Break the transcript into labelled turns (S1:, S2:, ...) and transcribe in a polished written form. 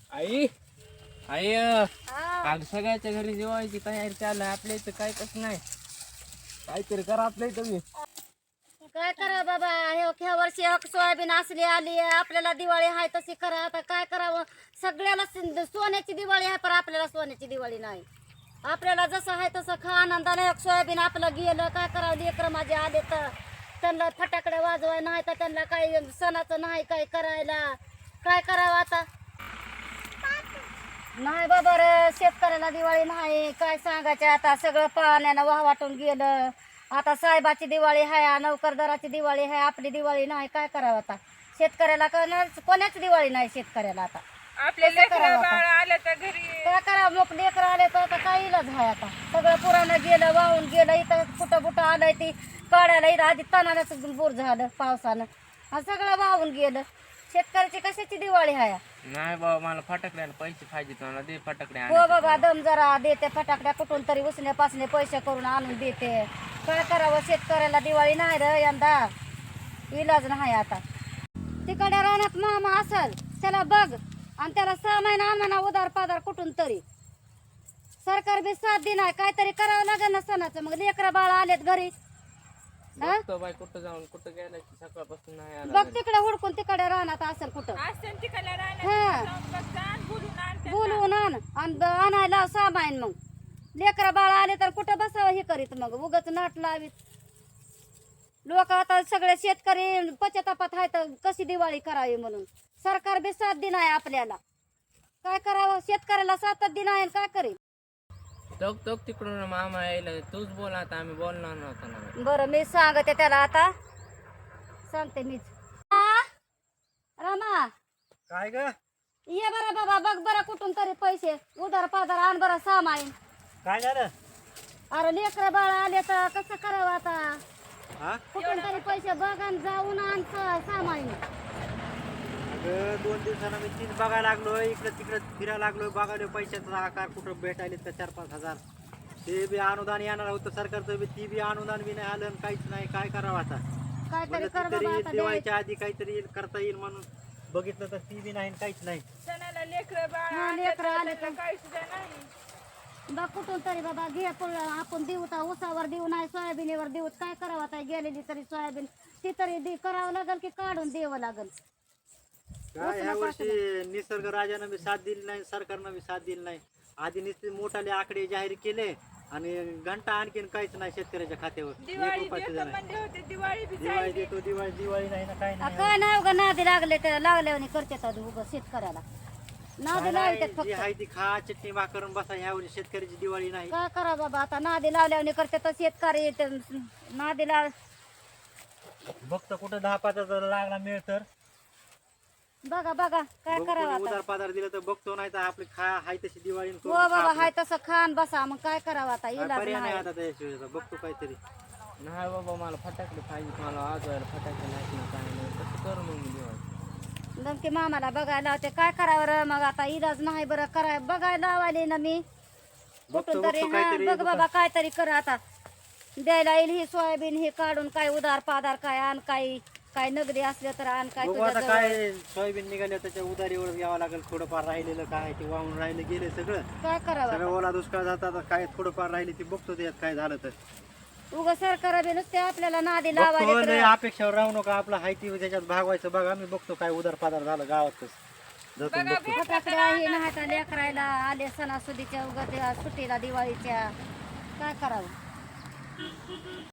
S1: आई आई
S2: हा.
S1: आज सगळ्याच्या घरी जेवायची तयारी चालू आहे. आपल्या इथं काय कसं नाही, काहीतरी करा आपल्या इथं तुम्ही.
S2: काय करा बाबा, ह्या वर्षी सोयाबीन असली आली आपल्याला दिवाळी आहे तशी करा. आता काय करावं, सगळ्याला सोन्याची दिवाळी आहे पण आपल्याला सोन्याची दिवाळी नाही. आपल्याला जसं आहे तसं खा आनंदाने. सोयाबीन आपलं गेलं, काय करावं. लेकर माझे आले तर त्यांना फटाकडे वाजवाय नाही तर त्यांना काही सणाचं नाही काय करायला. काय करावं आता. नाही बाबा रे, शेतकऱ्याला दिवाळी नाही. काय सांगायचं आता, सगळं पाण्यानं वाहवाटून गेलं. आता साहेबाची दिवाळी आहे, नोकरदाराची दिवाळी आहे, आपली दिवाळी नाही. काय करावं आता. शेतकऱ्याला कोणाच दिवाळी नाही शेतकऱ्याला. आता
S3: आपले
S2: कसं करावं
S3: लेकरं
S2: आता?
S3: बाळ आले तर घरी
S2: काय करावं, मग लेकर आले तर आता काय इलाज आहे. आता सगळं पुरानं गेलं, वाहून गेलं. इथं कुठं बुटं आलंय ती काढायला इथं आधी तणानच बोर झालं पावसानं आणि सगळं वाहून गेलं. शेतकऱ्याची कशाची दिवाळी आहे.
S1: नाही बाबा, मला फटाकड्याला पैसे पाहिजे, मला दे फटाकडे
S2: हो बाबा, दम जरा देते. फटाकड्या कुठून तरी उसने पासने पैसे करून आणून देते. काय करावं, शेतकऱ्याला दिवाळी नाही रे यंदा. इलाज नाही आता. तिकडे रानात मामा असल त्याला बघ आणि त्याला 6 महिना आणा उधार पाधार कुठून तरी. सरकार बी साथ देणार, काहीतरी करावं लागेल ना सणाचं. मग लेकरं बाळ आलेत घरी.
S1: बघतो बाई, कुठं जाऊन कुठं गेला की सकाळपासून नाही आला
S2: बघ
S1: घरी.
S2: तिकडे हुडकून तिकडे रानात असेल कुठं.
S3: असते तिकडल्या
S2: हा.
S3: राहण्यात जाऊन बघतात, बोलून आणतात.
S2: बोलवून आण आणि आणायला सामाईन. मग लेकरं बाळ आले तर कुठं बसावं हे करीत. मग उगाच नाट लावीत लोक. आता सगळे शेतकरी पश्चातापात आहेत कशी दिवाळी करावी म्हणून. सरकार बी साथ देणार आपल्याला. काय करावं, शेतकऱ्याला साथ देणार काय करेल.
S1: टोक टोक तिकडून मामा यायला, तूच बोल आता, आम्ही बोलणार नव्हता ना.
S2: बरं मी सांगते त्याला, आता सांगते मीच. रमा
S4: काय ग?
S2: ये बरं बाबा, बघ बरं कुठून तरी पैसे उधार पाधार आण बरं सामाईन.
S4: काय झालं?
S2: अरे लेकरं बाळ आले तर कसं करावं आता.
S4: हा?
S2: कुठून तरी पैसे बघ आणि जाऊन आण सामाईन.
S4: अगं 2 दिवसानं मी तीच बघायला लागलो, इकडं तिकडं फिरायला लागलो, बघायला पैशाचा आकार कुठं भेटायले तर 4-5 हजार. ते बी अनुदान येणार होतं सरकारचं बी, ती बी अनुदान बी नाही आलं आणि काहीच नाही. काय करावं आता.
S2: काहीतरी
S4: म्हणलं
S2: कर
S4: ती तरी
S2: बाबा आता.
S4: दिवाळीच्या आधी काहीतरी येईल, करता येईल म्हणून बघितलं तर ती बी नाही आणि काहीच नाही.
S3: सणाला लेकरं बाळ
S2: हा,
S3: आले
S2: लेकरं
S3: तर
S2: आले
S3: त्यांना
S2: तर.
S3: काही सुद्धा नाही.
S2: बघ कुठून तरी बाबा घे. आपण देऊ तर ऊसावर देऊ नाही सोयाबीनवर देऊ. काय करावं आता. गेलेली तरी सोयाबीन ती तरी करावं लागेल की काढून द्यावं लागेल.
S4: काय ह्या वर्षी निसर्ग राजानं बी साथ दिली नाही, सरकारनं बी साथ दिली नाही. आधी नुसते मोठाले आकडे जाहीर केले आणि घंटा आणखीन काहीच नाही शेतकऱ्याच्या खात्यावर. 1
S3: दिवाळी
S4: रुपया
S3: देतो
S4: सुद्धा नाही.
S3: म्हणले होते, दिवाळी बी
S4: दिवाळी
S3: जायली.
S4: देतो, दिवाळी नाही ना, काय नाही.
S2: काय नाही उगा नादी लागले तर लागल्याने करतात उगा शेतकऱ्याला. नादी लावतात
S4: जी
S2: फक्त.
S4: आहे ती खा, चटणी भाकर बसा. ह्यावेळी शेतकऱ्याची दिवाळी नाही.
S2: काय करा बाबा आता. नादी लावल्याने करतात शेतकरी. नादी लाव.
S4: बघतो कुठं 10-5 हजार लागला मिळ तर
S2: बघा बघा काय करावं आता.
S4: उधार पाधार दिलं तर बघतो, नाही तर आपली खा हाय तशी दिवाळी
S2: हो बाबा, हाय तसं खान बसा. मग काय करावं आता. इलाज
S4: पर्याय नाही
S2: नाही.
S4: आता त्याशिवाय. आता बघतो काहीतरी.
S1: नाही बाबा, मला फटाकडे पाहिजे, मला वाजवायला फटाके नाही ना, काय नाही. कसं करू मग मी दिवाळी.
S2: धमकी मामाला बघायला होते. काय करावं रे मग आता. इलाज नाही बरं कराय बघायला लावायले ना मी. कुठून तरी. हा
S4: काहीतरी
S2: बघ बाबा काहीतरी कर आता. द्यायला येईल ही सोयाबीन हे काढून. काय उधार पाधार काय आण, काय नगदी असलं तर आण. काय
S4: बघू आता
S2: तुझ्या जवळ.
S4: काय सोयाबीन निघाले त्याच्या उधारीवर यावं लागेल. थोडंफार राहिलेलं काय ते वाहून राहिलं गेले सगळं.
S2: काय करावं
S4: सगळं ओला दुष्काळ जातात. काय थोडंफार राहिले ते बघतो त्यात काय झालं तर.
S2: उगा सरकार बी नुसते आपल्याला नादी
S4: बघतो,
S2: लावायले
S4: लय
S2: तर.
S4: अपेक्षावर राहू नका. आपलं हाय ती त्याच्यात भागवायचं बघा. मी बघतो काय उधार पाधार झालं गावातच जातो बघतो.
S2: फटाकडे आहे नाही तर लेकरायला आले सणासुदीच्या उगा त्या सुट्टीला दिवाळीच्या. काय करावं.